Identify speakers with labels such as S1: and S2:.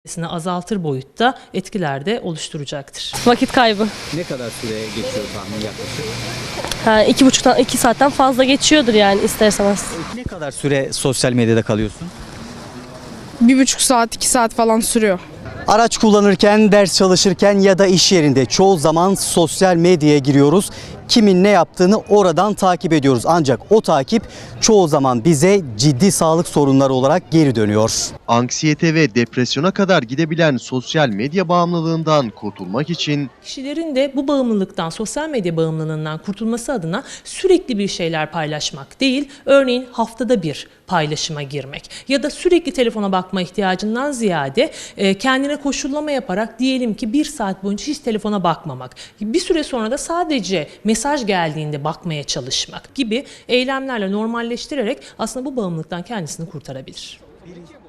S1: azaltır boyutta etkiler de oluşturacaktır.
S2: Vakit kaybı.
S3: Ne kadar süre geçiyor tahmin yaklaşık?
S2: Ha, 2,5 saatten fazla geçiyordur yani ister istemez.
S3: Ne kadar süre sosyal medyada kalıyorsun?
S4: 1,5 saat, 2 saat falan sürüyor.
S3: Araç kullanırken, ders çalışırken ya da iş yerinde çoğu zaman sosyal medyaya giriyoruz. Kimin ne yaptığını oradan takip ediyoruz. Ancak o takip çoğu zaman bize ciddi sağlık sorunları olarak geri dönüyor.
S5: Anksiyete ve depresyona kadar gidebilen sosyal medya bağımlılığından kurtulmak için
S1: Kişilerin de bu bağımlılıktan, sosyal medya bağımlılığından kurtulması adına sürekli bir şeyler paylaşmak değil, örneğin haftada bir paylaşıma girmek ya da sürekli telefona bakma ihtiyacından ziyade kendine koşullama yaparak diyelim ki 1 saat boyunca hiç telefona bakmamak, bir süre sonra da sadece mesaj geldiğinde bakmaya çalışmak gibi eylemlerle normalleştirerek aslında bu bağımlılıktan kendisini kurtarabilir.